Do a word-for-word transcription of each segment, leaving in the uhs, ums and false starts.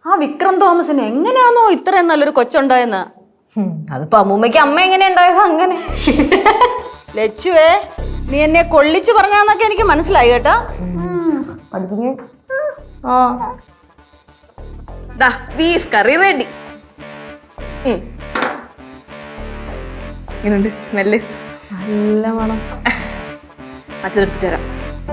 ആ വിക്രം തോമസിന് എങ്ങനെയാണോ ഇത്രയും നല്ലൊരു കൊച്ചുണ്ടായെന്ന്? അതിപ്പോ അമ്മൂമ്മയ്ക്ക് അമ്മ എങ്ങനെ ഉണ്ടായത് അങ്ങനെ. ലച്ചുവേ, നീ എന്നെ കൊള്ളിച്ചു പറഞ്ഞാന്നൊക്കെ എനിക്ക് മനസ്സിലായി കേട്ടോ. ബീഫ് കറി റെഡി. ഇങ്ങനുണ്ട് സ്മെല്ല്? നല്ല മണം. അതെടുത്തിട്ട് വരാം.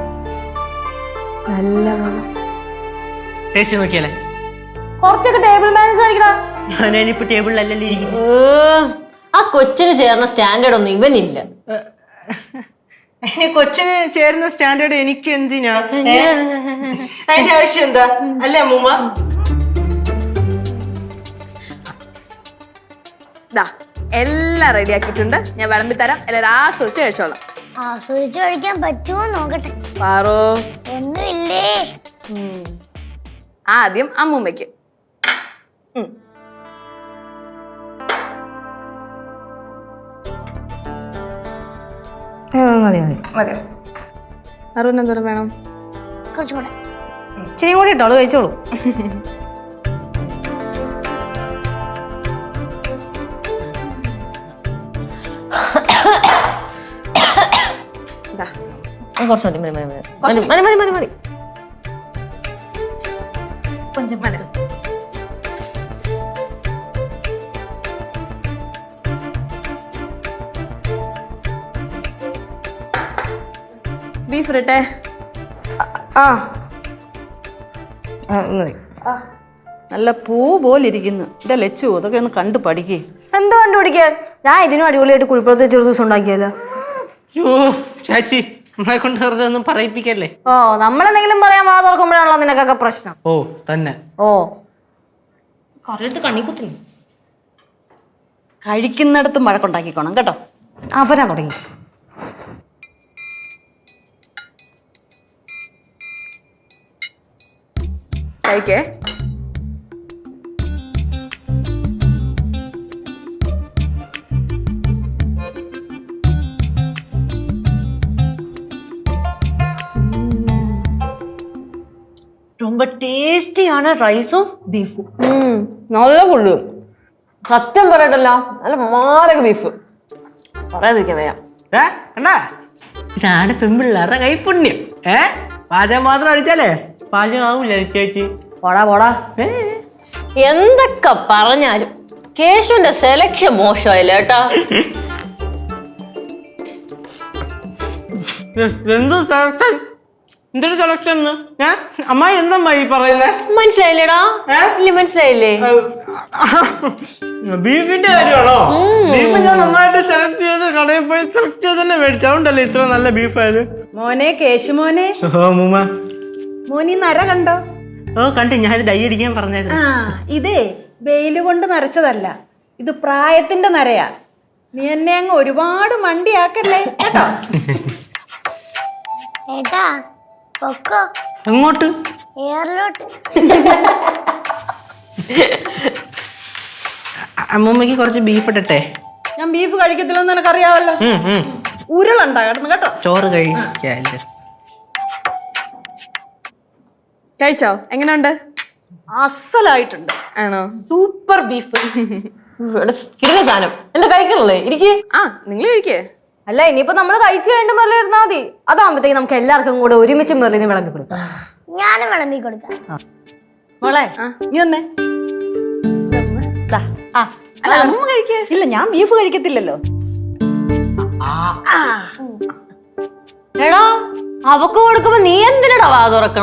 നല്ല മണം. ടേസ്റ്റ് നോക്കിയാലേ? കുറച്ചൊക്കെ ടേബിൾ മാനേജ് കാണിക്കടാ. ഞാനിപ്പോ ടേബിളിലല്ലേ ഇരിക്കുന്നു. ആ കൊച്ചിന് ചേർന്ന സ്റ്റാൻഡേർഡ് ഒന്നും ഇവനില്ല. കൊച്ചിന് ചേരുന്ന സ്റ്റാൻഡേർഡ് എനിക്ക് എന്തിനാ? അതിന്റെ ആവശ്യം എന്താ അല്ലേ അമ്മൂമ്മ? എല്ലാം റെഡി ആക്കിയിട്ടുണ്ട്. ഞാൻ വിളമ്പി തരാം. എല്ലാവരും ആസ്വദിച്ച് കഴിച്ചോളാം. ആസ്വദിച്ച് കഴിക്കാൻ പറ്റുമോ നോക്കട്ടെ. പാറോ ഒന്നുമില്ലേ? ആദ്യം അമ്മൂമ്മയ്ക്ക്. മതി മതി മതി. അറുപതിന് എന്തോരം വേണം? കുറച്ചും കൂടെ. ഇച്ചിരി കൂടി ഇട്ടോളൂ, കഴിച്ചോളൂ. കുറച്ച് മതി മതി മതി മതി മതി മതി മതി കൊഞ്ചം മതി. ബീഫ് ഇരട്ടെ? ആ മതി. നല്ല പൂ പോലിരിക്കുന്നു. എന്റെ ലച്ചു അതൊക്കെ ഒന്ന് കണ്ടു പഠിക്കേ. എന്ത് കണ്ടുപിടിക്കാൻ? ഞാൻ ഇതിനും അടിപൊളിയായിട്ട് കുഴിപ്പുറത്ത് ചെറു ദിവസം ഉണ്ടാക്കിയല്ലോ. യോ ചാച്ചി, നമ്മളെ കൊണ്ട് വെറുതെ ഒന്നും പറയിപ്പിക്കല്ലേ. ഓ, നമ്മളെന്തെങ്കിലും പറയാൻ വാ തുറക്കുമ്പോഴാണല്ലോ നിനക്കൊക്കെ പ്രശ്നം. ഓ തന്നെ. ഓ കറിയിട്ട് കണ്ണിക്കുത്തി കഴിക്കുന്നിടത്ത് മഴക്കുണ്ടാക്കിക്കോണം കേട്ടോ. അവരാ തുടങ്ങി. കഴിക്കേ. ரொம்ப ടേസ്റ്റിയാണ് റൈസും ബീഫും. നല്ല കൊള്ളു. സത്യം പറയട്ടല്ല, നല്ല മാരക ബീഫ്. പറയാതിരിക്കാൻ വയ്യ. ഇതാണ് പെൺപിള്ളേരുടെ കൈപ്പുണ്യം. ഏ പാചകം മാത്രം അടിച്ചാലേ പാചകം ആവൂല ചേച്ചി. പോടാ പോടാ. എന്തൊക്കെ പറഞ്ഞാലും കേശുവിന്റെ സെലക്ഷൻ മോശമായില്ല കേട്ടാ. എന്ത് സെലക്ഷൻ? എന്തൊരു സെലക്ഷൻ? അമ്മായി എന്തമ്മായി പറയുന്നേ? മനസ്സിലായില്ലേടാ? ഇല്ല മനസ്സിലായില്ലേ? ബീഫിന്റെ കാര്യമാണോ? ബീഫ് ഞാൻ നന്നായിട്ട് സെലക്ട് ചെയ്ത് കടയിൽ പോയി സെലക്ട് ചെയ്ത് തന്നെ മേടിച്ചോണ്ടല്ലേ ഇത്ര നല്ല ബീഫ് ആയത്. മോനെ കേശു മോനെ. ഓ മൂമ്മ, മോനി നര കണ്ടോ? ഓ കണ്ടു. ഞാൻ ഇത് ഡൈ അടിക്കാൻ പറഞ്ഞായിരുന്നു. ആ ഇതേ വെയില് കൊണ്ട് നരച്ചതല്ല, ഇത് പ്രായത്തിന്റെ നരയാ. നീ എന്നെ അങ്ങ് ഒരുപാട് മണ്ടിയാക്കല്ലേ കേട്ടോ. ഏട്ടാ പൊക്കോ. എങ്ങോട്ട്? എയറിലോട്ട്. അമ്മൂമ്മക്ക് കുറച്ച് ബീഫ് ഇട്ടട്ടെ? ഞാൻ ബീഫ് കഴിക്കത്തില്ലെന്ന് നിനക്കറിയാവല്ലോ. ഉരുളുണ്ടാ കിടന്ന് കേട്ടോ. ചോറ് കഴിക്കാല്ലേ? കഴിച്ചോ? എങ്ങനെയുണ്ട്? അസലായിട്ടുണ്ട്. ആണോ? Super beef. സാധനം എന്താ കഴിക്കണല്ലേ? ഇരിക്ക്. ആ നിങ്ങൾ കഴിക്കേ. അല്ല, ഇനിയിപ്പോ നമ്മള് കഴിച്ചു കഴിഞ്ഞിട്ട് മെറിൽ ഇരുന്നാ മതി. അതാകുമ്പത്തേക്ക് നമുക്ക് എല്ലാവർക്കും കൂടെ ഒരുമിച്ച് മെറിലിന് വിളമ്പി കൊടുക്കാം. ഞാനും വിളമ്പി കൊടുക്കാം. മോളെ നീ വന്നേ. അല്ല അമ്മ കഴിക്കേ. ഇല്ല ഞാൻ ബീഫ് കഴിക്കത്തില്ലല്ലോ. എടാ അവക്ക് കൊടുക്കുമ്പോ നീ എന്തിനടാ വാ തുറക്കണ?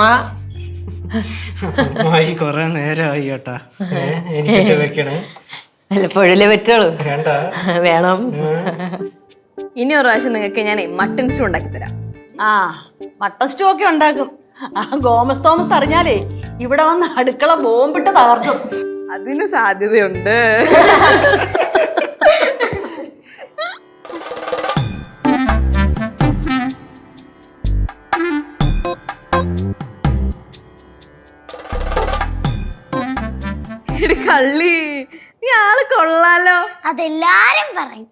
കൊറേ നേരമായി കേട്ടാ. എനിക്ക് വെക്കണേ. വല്ലപ്പോഴല്ലേ പറ്റുള്ളൂ. വേണം. ഇനി ഒരു പ്രാവശ്യം നിങ്ങൾക്ക് ഞാൻ മട്ടൺ സ്റ്റൂ ഉണ്ടാക്കി തരാം. ആ മട്ടൺ സ്റ്റൂ ഒക്കെ ഉണ്ടാക്കും. ആ ഗോമസ് തോമസ് അറിഞ്ഞാലേ ഇവിടെ വന്ന് അടുക്കള ബോംബിട്ട് തകർത്തും. അതിന് സാധ്യതയുണ്ട്. കള്ളി നീ ആള് കൊള്ളാലോ. അതെല്ലാരും പറയും.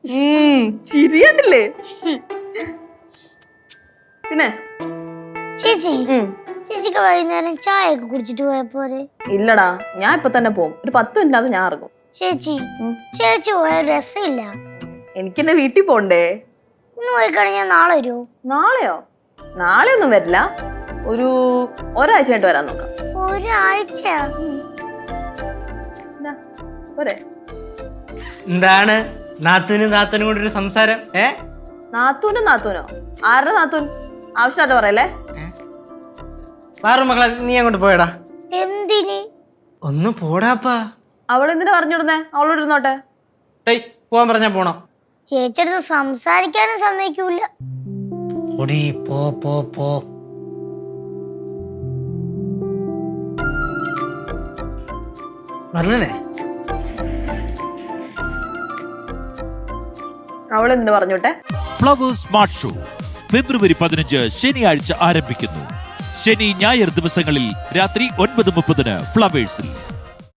ചിരിയണ്ടില്ലേ? പിന്നെ ചേച്ചി ചേച്ചിക്ക് വൈകുന്നേരം ചായ ഒക്കെ കുടിച്ചിട്ട് പോയാ പോരെ? ഇല്ലടാ, ഞാൻ ഇപ്പൊ തന്നെ പോകും. ഒരു പത്ത് മിനിറ്റ് ഞാൻ ഇറങ്ങും. ചേച്ചി ചേച്ചി പോയ രസമില്ല. എനിക്കെന്നെ വീട്ടിൽ പോണ്ടേ? ഇന്ന് പോയി കഴിഞ്ഞാൽ നാളെ വരുമോ? നാളെയോ? നാളെ ഒന്നും വരില്ല. ഒരു ഒരാഴ്ച ആയിട്ട് വരാൻ നോക്കാം. ഒരാഴ്ച? പോരെ? എന്താണ് നാത്തൂനും നാത്തനും കൂടെ ഒരു സംസാരം? ഏ നാത്തൂനും നാത്തൂനോ? ആരുടെ നാത്തൂൻ? ആവശ്യമായിട്ട് പറയല്ലേ. വേറെ മക്കളെ നീ അങ്ങോട്ട് പോയടാ. എന്തിന്? ഒന്ന് പോടാപ്പാ. അവളെന്തിനാ പറഞ്ഞിടുന്നേ? അവളോട് ഇരുന്നോട്ടെ. ഏയ് പോവാൻ പറഞ്ഞാ പോണം. ചേച്ചിയടുത്ത് സംസാരിക്കാനും സമ്മതിക്കൂല. പോ പോ പോ. പറഞ്ഞേ അവളെന്തിനു പറഞ്ഞോട്ടെ? ഫ്ലവേഴ്സ് സ്മാർട്ട് ഷോ ഫെബ്രുവരി പതിനഞ്ച് ശനിയാഴ്ച ആരംഭിക്കുന്നു. ശനി ഞായർ ദിവസങ്ങളിൽ രാത്രി ഒൻപത് മുപ്പതിന് ഫ്ലവേഴ്സിൽ.